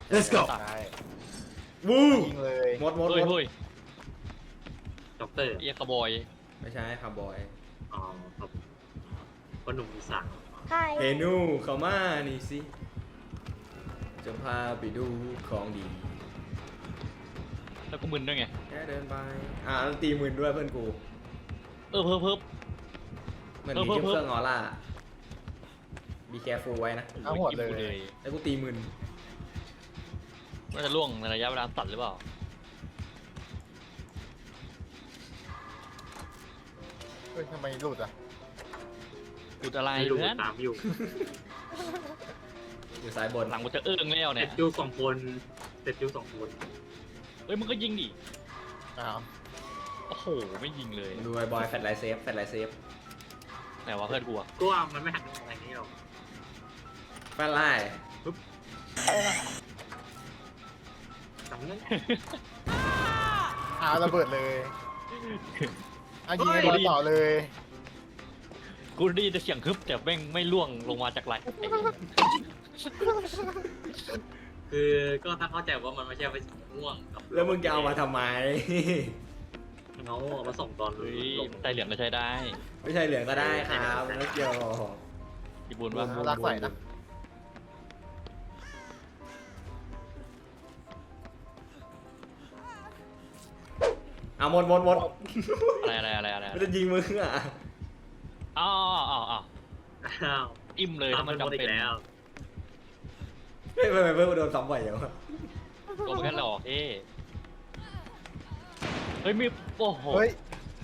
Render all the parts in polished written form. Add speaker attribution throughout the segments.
Speaker 1: let's go
Speaker 2: ใช่
Speaker 1: วู้
Speaker 2: ยิงเลย
Speaker 1: หมดหมดห
Speaker 3: เฮ้ย
Speaker 1: มด
Speaker 3: เฮ้ย
Speaker 4: ด็อกเตอร์
Speaker 3: เอียคาร์บอย
Speaker 1: ไม่ใช่คาร์บอย
Speaker 4: อ๋อครับพ่อหนุ่มอีสาน
Speaker 1: เฮนูเข้ามานี่สิจะพาไปดูของดี
Speaker 3: แล้วก็มึนด้วยไง
Speaker 1: แค่เดินไปแล้วตีหมื่นด้วยเพื่อนกู
Speaker 3: เพิ่ม
Speaker 1: เหมือนมีเครื่องออร่า be careful ไว้นะ
Speaker 2: ทั้งหมดเลย
Speaker 1: แล้วกูตีหมื่น
Speaker 3: ว่าจะล่วงในระยะเวลาตัดหรือเปล่า
Speaker 2: เฮ้ยทำไมหลุดอ่ะ
Speaker 3: อุดอะไร
Speaker 4: ไม่รู้
Speaker 3: เพื่อน
Speaker 4: ตามอยู่
Speaker 1: อยู่ซ้ายบน
Speaker 3: หลังกูจะเอื้องแล้ว
Speaker 4: เสร็
Speaker 3: เนี่
Speaker 4: จ
Speaker 3: ย
Speaker 4: ยูสองคนเสร็จยูสองคน
Speaker 3: เฮ้ยมึงก็ยิงดิ
Speaker 2: อ้าว
Speaker 3: โอ้โหไม่ยิงเลย
Speaker 1: ดูไอ้บอยแฟลชไลท์เซฟแฟลชไลท์เซฟ
Speaker 3: ไหนวะเพื่อนกูอะ
Speaker 4: ก็ว่ามันไม่หันอะไรนี้หรอก
Speaker 1: แฟลชไลท์
Speaker 4: จำเนั้น
Speaker 2: อ้าวระเบิดเลยอ่ะยิงไอ้บอลต่อเลย
Speaker 3: กูได้ยินแต่เสียงฮึบแต่แม่งไม่ล่วงลงมาจากไหล
Speaker 4: คือก็ถ้าเข้าใจว่ามันไม่ใช่ไปม่วงกับ
Speaker 1: แล้วมึงจะเอามาทำไม
Speaker 4: เงาเอามาส่งตอน
Speaker 3: เฮ้ย
Speaker 4: ลง
Speaker 3: ไตเหลืองก็ใช้ได้
Speaker 1: ไม่ใช่เหลืองก็ได้ครับไม่เกี่ยว
Speaker 3: พี่บุญว่า
Speaker 2: รักใส่นะ
Speaker 1: หมดหมดหมด
Speaker 3: อะไร
Speaker 1: ไม่จะยิงมึงอ่ะ
Speaker 3: อ้าว
Speaker 4: อ้าว
Speaker 3: อิ่มเลย
Speaker 4: ตาม
Speaker 3: ถ้า
Speaker 4: มั
Speaker 3: มัน น
Speaker 4: หมด
Speaker 3: จำ
Speaker 4: อี
Speaker 3: เป็น
Speaker 4: กแล้ว
Speaker 1: เฮ้ยไม่โดนซ้ำบ่อยอย่างวะ
Speaker 3: ตัวมันแค่หลอกเฮ้ยมีโอ้โห
Speaker 2: เฮ้ย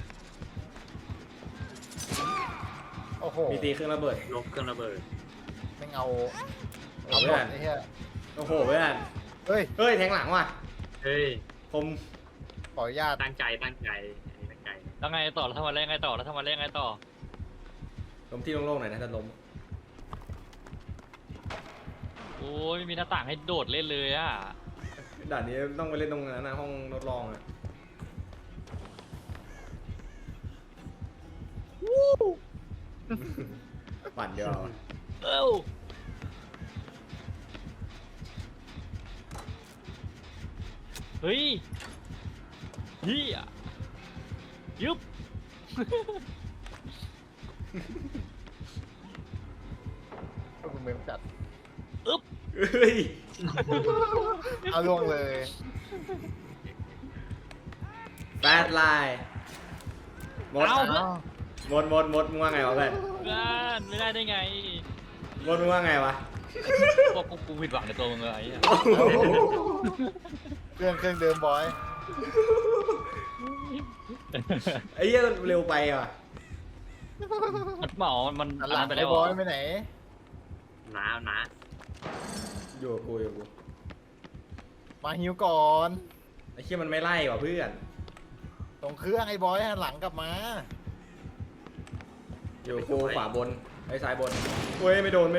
Speaker 2: โอ้โห
Speaker 1: มีตีเครื่องระเบิด
Speaker 4: ลบเครื่องระเบิด
Speaker 2: แม่งเอา
Speaker 1: เอา
Speaker 2: หม
Speaker 1: เพื่
Speaker 2: ด
Speaker 1: อน
Speaker 2: ไอ้เหี้ย
Speaker 1: โอ้โหเพื่อน
Speaker 2: เฮ้ย
Speaker 1: เฮ้ยแทงหลังว่ะ
Speaker 4: เฮ้ย
Speaker 1: ผม
Speaker 2: ขออนุญาต
Speaker 4: ตั้งใจอันนี้ตั้งใจ
Speaker 3: แล้วไงต่อแล้วทำมาเล่นไงต่อ
Speaker 1: ล้มที่โล่งๆหน่อยนะถ้าล้ม
Speaker 3: โอ้ยไม่มีหน้าต่างให้โดดเล่นเลยอ่ะ
Speaker 1: ด่านนี้ต้องไปเล่นตรงนั้นนะห้องทดลองอ่ะปั่นเดียวอะ
Speaker 3: เอ้าเฮ้ยเฮียยึบ
Speaker 2: ก็คุณเมมจัด
Speaker 1: เฮ้ย
Speaker 2: เอาล่วงเลย
Speaker 1: แบดไลน์หมด
Speaker 3: เอา
Speaker 1: หมดมึงว่าไงวะเพื่อน
Speaker 3: เพื่อนไม่ได้ไง
Speaker 1: หมดมึงว่าไงวะ
Speaker 3: พวกกูผิดหวังในตัวมึงเลยไอ้เหี้ย
Speaker 2: เครื่องเดิมบอย
Speaker 1: ไอ้เหี้ยเร็วไปว่ะ
Speaker 3: มันเหมามัน
Speaker 2: หัน
Speaker 3: อัน
Speaker 2: หลั
Speaker 3: นั้
Speaker 2: ง
Speaker 3: นไป
Speaker 2: ไป
Speaker 3: แล้ว
Speaker 2: บ
Speaker 3: เหร
Speaker 2: อ
Speaker 3: อย
Speaker 2: ไปไหน
Speaker 4: หนา
Speaker 1: อยู่กับกู
Speaker 2: มาฮิวก่อน
Speaker 1: ไอ้เหี้ยมันไม่ไล่ว่ะเพื่อน
Speaker 2: ตรงเครื่องไอ้บอยหันหลังกลับมา
Speaker 1: อยู่กับกูขวาบนไอ้ซ้ายบนเว้ยไม่โดน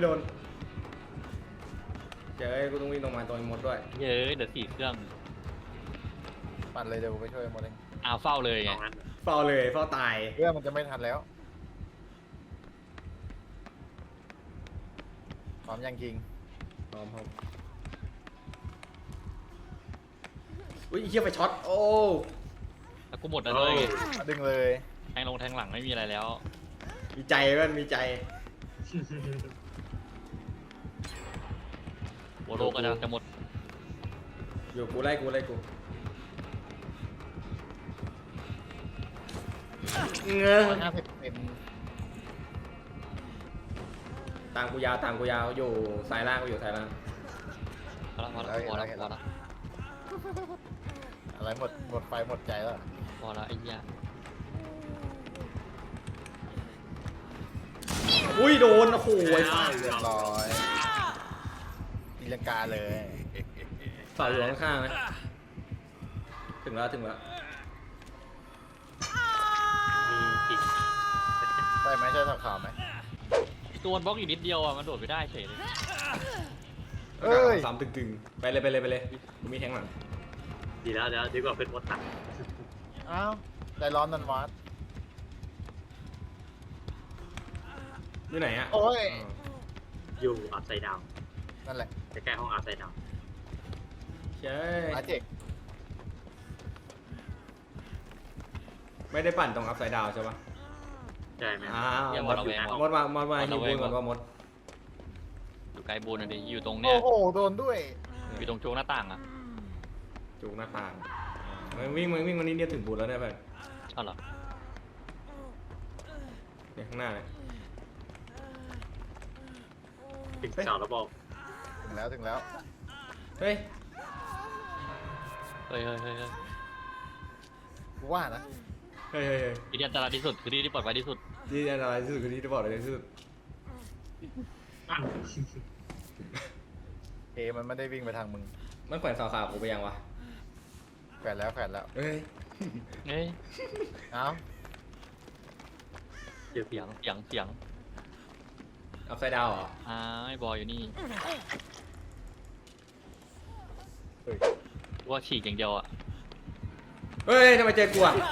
Speaker 1: เจ๊กูต้องวิ่งลงมาตัวมดด้วย
Speaker 3: เย้ยเดี๋ยว4 เครื่อง
Speaker 2: ปั่นเลยเดี๋ยวกูไปช่วยโมเดล
Speaker 3: อ้าวเฝ้าเลย
Speaker 4: ๆ
Speaker 3: ไง
Speaker 4: เอางั้น
Speaker 1: เฝ้าเลยเฝ้าตาย
Speaker 2: เรื่องมันจะไม่ทันแล้วพร้อมยังคิง
Speaker 1: พร้อมอุ้ยไอ้เหี้ยไปช็อตโอ้
Speaker 3: แล้วกูหมดแล้วเลย
Speaker 2: ดึงเลย
Speaker 3: แทงลงแทงหลังไม่มีอะไรแล้ว
Speaker 1: มีใจเพื่อนมีใจ
Speaker 3: โวโลก็จะหมด
Speaker 1: อยู่กูไล่กูเงื้อ
Speaker 2: 150เต็ม
Speaker 1: ตามกูยาวอยู่สายล่างกูอยู่สายล่าง
Speaker 3: พอละพอละ
Speaker 2: อะไรหมดไฟหมดใจแล้ว
Speaker 3: พอละไอ้เหี้ย
Speaker 1: อุ้ยโดนโอ้โหไอ้
Speaker 4: อ้า
Speaker 1: ฝ้าว
Speaker 2: เรียบร้อยตีลังกาเลย
Speaker 1: เสาอยู่ข้างๆนะถึงแล้ว
Speaker 4: มีจิต
Speaker 2: ใช่ไหมใช่สับข่าวไหม
Speaker 3: ตัวมันบล็อกอีกนิดเดียวอ่ะมันโดดไปได้เฉยเลย
Speaker 2: เอ้ย
Speaker 1: สามตึงๆไปเลยกูมีแทงหลัง
Speaker 4: ดีแล้วเดี๋ยวดีกว่าเป็นมดตัด
Speaker 2: อ้าวใจร้อนนันวัด
Speaker 1: อยู่ไหนอะ
Speaker 2: โอ้ย
Speaker 4: อยู่อัพไซด์ดาว
Speaker 2: นั่นแหละ
Speaker 4: ใกล้ๆห้องอัพไซด์ดาว
Speaker 1: ใช่
Speaker 2: หมาเจ็ก
Speaker 1: ไม่ได้ปั่นตรงอัพไซด์ดาวใช่ปะ
Speaker 4: ใช่ไหม
Speaker 1: อ้าว
Speaker 3: อย่าม
Speaker 1: ด
Speaker 3: ระแวงว่ะ
Speaker 1: มดฮิวบูนก่อนว่ามด
Speaker 3: อยู่ไกลบูนอ่ะดิอยู่ตรง
Speaker 2: โอ้
Speaker 3: เนี้ย
Speaker 2: โหโดนด้วย
Speaker 3: อยู่ตรงโจงหน้าต่างอ่ะ
Speaker 1: จูงหน้าต่างมันวิ่งมันนี่เดียวถึงบูนแล้วเนี่ยเพื่อน
Speaker 3: อ้าวเหรอ
Speaker 1: เนี่ยข้างหน้าเลย
Speaker 4: ถึงเสาแล้วบอก
Speaker 2: ถึงแล้ว
Speaker 1: เฮ้ย
Speaker 3: เฮ้ยเฮ้ยเฮ้ยเฮ้ย
Speaker 2: กูว่านะ
Speaker 1: เฮ้ย
Speaker 3: ที่นี่อันตรายที่สุดคือที่ที่ปลอดภัยที่สุด
Speaker 1: ที่อันตรายที่สุดคือที่จะบอกเลยที่สุด
Speaker 4: อ่ะ
Speaker 2: เอมันไม่ได้วิ่งไปทางมึง
Speaker 1: มันแขวนสาวขาวกูไปยังวะ
Speaker 2: แขวนแล้ว
Speaker 1: เฮ้ย
Speaker 3: เฮ้ย
Speaker 2: เอ้า
Speaker 4: เดี๋ยว
Speaker 3: เสียงเสียงเสียง
Speaker 1: อัพไซด์ดาวเหรอ
Speaker 3: ไอ้บอยอยู่นี่
Speaker 2: เฮ้ย
Speaker 3: ว่าฉีกอย่างเดียวอ่ะ
Speaker 1: เฮ้ยทำไมเจอกูอ่ะ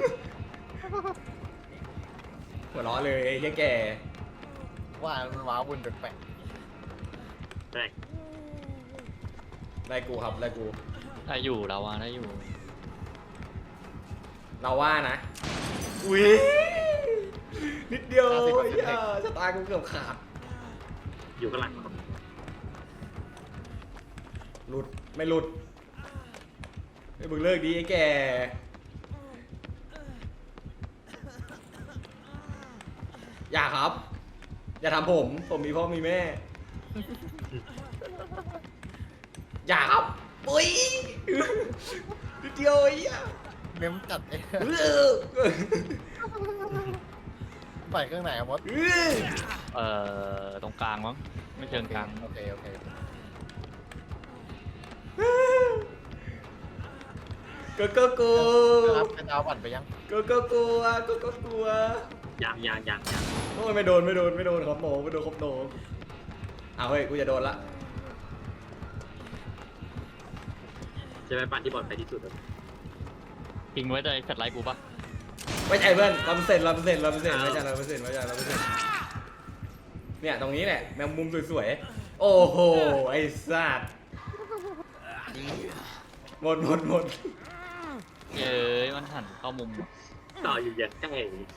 Speaker 1: หัวเราะเลยไอ้เหี้ยแก่
Speaker 2: ว่ามันว้าวุ่นแปลก
Speaker 4: แรก
Speaker 1: ไล่กูครับไล่กู
Speaker 3: ได้อยู่เราอ่ะได้อยู่
Speaker 1: เราว่านะอุ้ยนิดเดียวชะตากูเกือบขาด
Speaker 4: อยู่ข้างหลังครับ
Speaker 1: หลุดไม่หลุดไอ้มึงเลิกดีไอ้แก่อย่าครับ อย่าทำผมมีพ่อมีแม่ อย่าครับปุ้ยนิดเดียวไอ้เหี้ย
Speaker 2: ๆเม้มจัดเอง
Speaker 1: เออ
Speaker 2: ใส่เครื่องไหนอะมด
Speaker 3: ตรงกลางมั้งไม่เชิงกลาง
Speaker 2: โอเค
Speaker 1: ก็กู
Speaker 2: ครับเป็นดาวปั่นไปยัง
Speaker 1: ก็กลัวก็กลัว
Speaker 4: ยัง
Speaker 1: โอ้ยไม่โดนครับโมไม่โดนครับโนอ้าวเฮ้ยกูจะโดนละ
Speaker 4: จะไปปั่นที่ปลอดภัยที่สุดครับ
Speaker 3: ทิ้งไว้ได้แฟลชไลท์กูปะ
Speaker 1: ไม่ใช่เพื่อน100%ไม่ใช่100%ไม่ใช่100%เนี่ยตรงนี้แหละแมงมุมสวยๆโอ้โหไอ้สัตว์หมด
Speaker 3: เย้ยมันหันเข้ามุม
Speaker 4: ต่ออยู่อย่างใกล้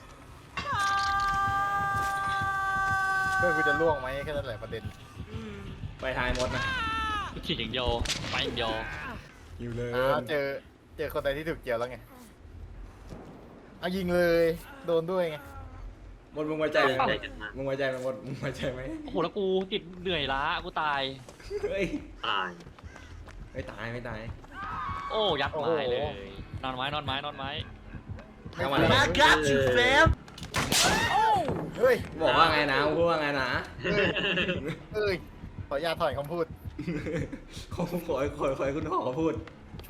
Speaker 2: เพื่อนกูจะล่วงไหมแค่นั้นแหละประเด็น
Speaker 1: ไปทายหมดนะ
Speaker 3: ฉีกอย่างเดียวไปอย่างเดียว
Speaker 1: อยู่เลย
Speaker 2: เจอคนใดที่ถูกเกี่ยวแล้วไงเอายิงเลย โดนด้วยไง
Speaker 1: หมดมึงไว้ใจไหม
Speaker 4: ใจกันมาก
Speaker 1: มึงไว้ใจไหมหมดมึงไว้ใจไหม
Speaker 3: โอ้โหแล้วกูติดเหนื่อยล้ากูตาย
Speaker 1: เฮ้ย
Speaker 4: ตาย
Speaker 1: ไม่ตายไม่ตาย
Speaker 3: โอ้ยัดไม้เลยนอนไม้
Speaker 1: เอามา
Speaker 2: ไม่
Speaker 1: เลย
Speaker 2: เฮ้ย
Speaker 1: บอกว่าไงนะพูดว่าไงนะ
Speaker 2: เอ้ยขออนุญาตถอนคำพูด
Speaker 1: ขอคุณหอพูด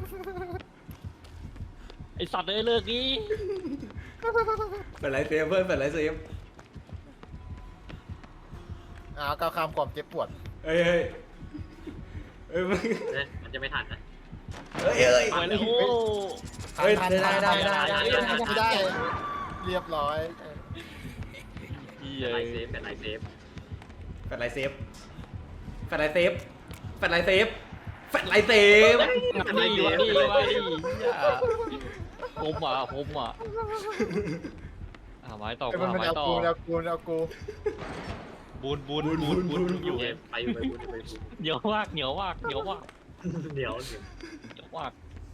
Speaker 3: ไอสัตว์เลยเลิกนี้
Speaker 1: เป็นไรเซฟเพื่อนเป็นไรเซฟ
Speaker 2: ก้าวข้ามความเจ็บปวด
Speaker 1: เฮ้ยมึง
Speaker 4: มันจะไม่ทันนะ
Speaker 1: เฮ้ย
Speaker 3: ไปเลยโอ้
Speaker 1: เฮ้ยได้
Speaker 2: ไม่ได้ เรียบร้อย
Speaker 3: เหี้
Speaker 4: เป็น
Speaker 3: ย
Speaker 4: ไรเซฟเป็นไรเซฟ
Speaker 1: เป็นไรเซฟเป็นไรเซฟเป็นไรเซฟเป็นไรเซฟ
Speaker 3: นี่วะนี่ผมอ่ะไม้ต่อ
Speaker 2: มัน
Speaker 3: ไม้
Speaker 2: เอา
Speaker 3: ต่อ
Speaker 2: กูเอากู
Speaker 3: บูนอยู่
Speaker 4: ไปบุญ
Speaker 3: เหนียวมากเหนียว
Speaker 4: เหนียว
Speaker 3: มาก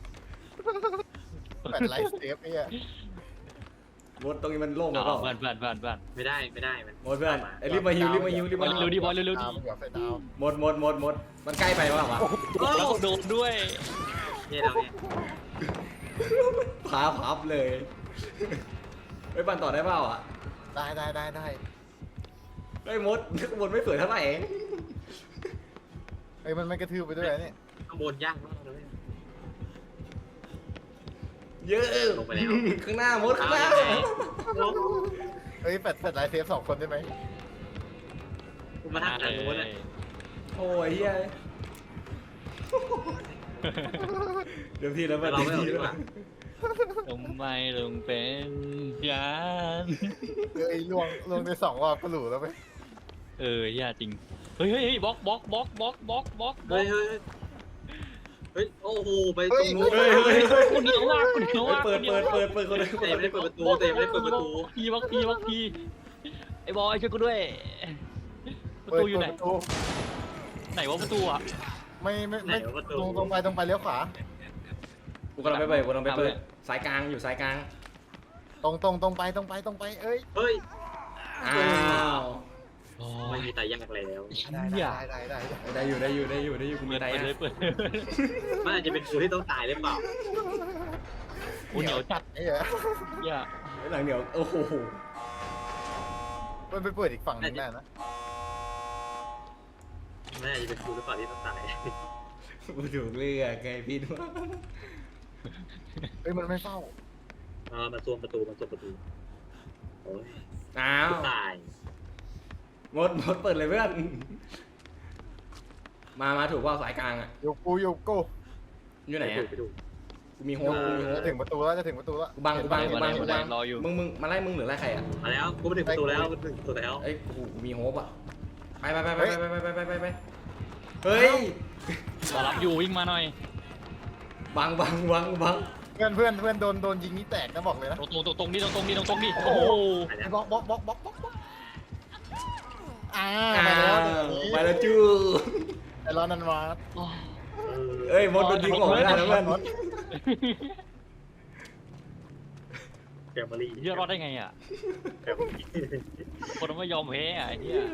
Speaker 2: แปดไลฟ์เซฟไอ้เหี้ย
Speaker 1: หมดตรงนี้มันโล่งแล้วเปล่า
Speaker 3: เพื่อน
Speaker 4: ไม่ได้มัน
Speaker 1: หมดเพื่อนไอ้รีบมาฮิว
Speaker 3: เร็วดิบอลเร็วดิ
Speaker 2: ดาวเดี๋ยวใส่ดาว
Speaker 1: หมดมันใกล้ไปวะ
Speaker 3: แล้วก็โดนด้วย
Speaker 4: นี่เราเนี่ย
Speaker 1: พาพับเลยไปปั่นต่อได้เปล่าอ่ะ
Speaker 2: ได้
Speaker 1: ไอ้มดไม่สวยเท่าไหร่เอง
Speaker 2: เฮ้ยมันไม่กระทืบไปด้วยนี่
Speaker 4: ข้างบนยากมากเลย
Speaker 1: เยอะ
Speaker 4: ลงไปแล้ว
Speaker 1: ข้างหน้ามดข้างหน้า
Speaker 2: เฮ้ยแปดไลฟ์เซฟ2 คนได้ไหม
Speaker 4: คุณมาทักทางนู้นนะ
Speaker 1: โอ้ยเฮียเดี๋ยวพี่แล้ว
Speaker 4: เราไม่เอาดีกว่า
Speaker 3: ทำไมถึงเป็นยัน
Speaker 2: เฮ้ยลวงไป2 รอบก็หลูแล้วไหม
Speaker 3: ย่าจริงเฮ้ยบล็อก
Speaker 4: เฮ้ยเฮ้ยโอ้โหไปตรงนู้น
Speaker 1: เฮ้ยเฮ้ยเฮ้ย
Speaker 3: กูเหนียวมากกูเหนียวมาก
Speaker 1: เปิดคนเลย
Speaker 4: เตะไม่ได้เปิดประตูเตะไม่ได้เปิดประตู
Speaker 3: บางทีไอ้บอยช่วยกูด้วยประ
Speaker 2: เปิด
Speaker 3: ตูอยู่ไหน
Speaker 2: ประตู
Speaker 3: ไหนวะประตูอ่ะ
Speaker 2: ไม่ตรงไปเลี้ยวขวา
Speaker 1: กูกำลังไปเปิดสายกลางอยู่สายกลาง
Speaker 2: ตรงไปเอ้ย
Speaker 4: เฮ้ย
Speaker 1: อ้าว
Speaker 4: ไม่มีตายยากแล้ว
Speaker 2: ได้
Speaker 1: ได้อยู่กูมี
Speaker 3: เปิด
Speaker 1: ไต
Speaker 3: เล
Speaker 1: อ่ะ
Speaker 3: ยเปิด
Speaker 4: มันอาจจะเป็นกูที่ต้องตายหรือเปล่า
Speaker 3: กูเหนียวจัด
Speaker 2: ไอ้เหี้ย
Speaker 3: อย่า
Speaker 1: หลังเดี๋ยวโอ้โห
Speaker 2: มันไปเปิดอีกฝั่งนึงได้นะ
Speaker 4: มันอาจจะเป็นกูหรือเปล่าที่ต้องตาย
Speaker 1: กูถูกเลือกไงพี่ด้วย
Speaker 2: เอ้ยมันไม่เฝ้า
Speaker 4: มันซวมประตูโอ้ย
Speaker 1: อ้าว
Speaker 4: ตาย
Speaker 1: มดเปิดเลยเพื่อนมาถูกว่าสายกลางอ่ะ
Speaker 2: โยกู
Speaker 1: อยู่ไหนอ่ะ
Speaker 4: ไปดู
Speaker 1: กูมีโฮสกูมีโฮส
Speaker 2: จะถึงประตูแล้ว
Speaker 1: กูบัง
Speaker 3: รออยู่
Speaker 1: มึงมาไล่มึงหรือไล่ใครอ่ะ
Speaker 4: มาแล้วกูมาถึงประตูแล้วกูถึงประตูแล้ว
Speaker 1: เอ้ยกูมีโฮปอ่ะไปเฮ้ย
Speaker 3: รอรับอยู่วิ่งมาหน่อย
Speaker 1: บัง
Speaker 2: เพื่อนโดนยิงนี่แตกนะบอกเลยนะ
Speaker 3: ตรงนี้โอ้โห
Speaker 2: บล็อก
Speaker 1: ไป
Speaker 2: มาแล้ว
Speaker 1: แล้วจู้
Speaker 2: ไอ้ร้อนนันวา
Speaker 1: เอ้ยมดโดนยิงออกไม่ได้นะเพื่อน
Speaker 4: แกมเบอรี่
Speaker 3: เฮียรอดได้ไงอ่ะ
Speaker 4: แกมเบอรี่
Speaker 3: คนไม่ยอมแพ้อ่ะไอ้เหี้ย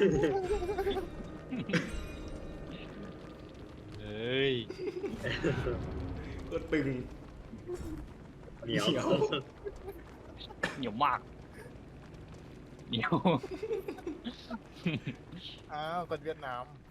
Speaker 3: เฮ้ย
Speaker 1: ก็ตึง
Speaker 4: เหนียว
Speaker 3: เหนียวมากเหนียว
Speaker 2: อ้าวคนเวียดนาม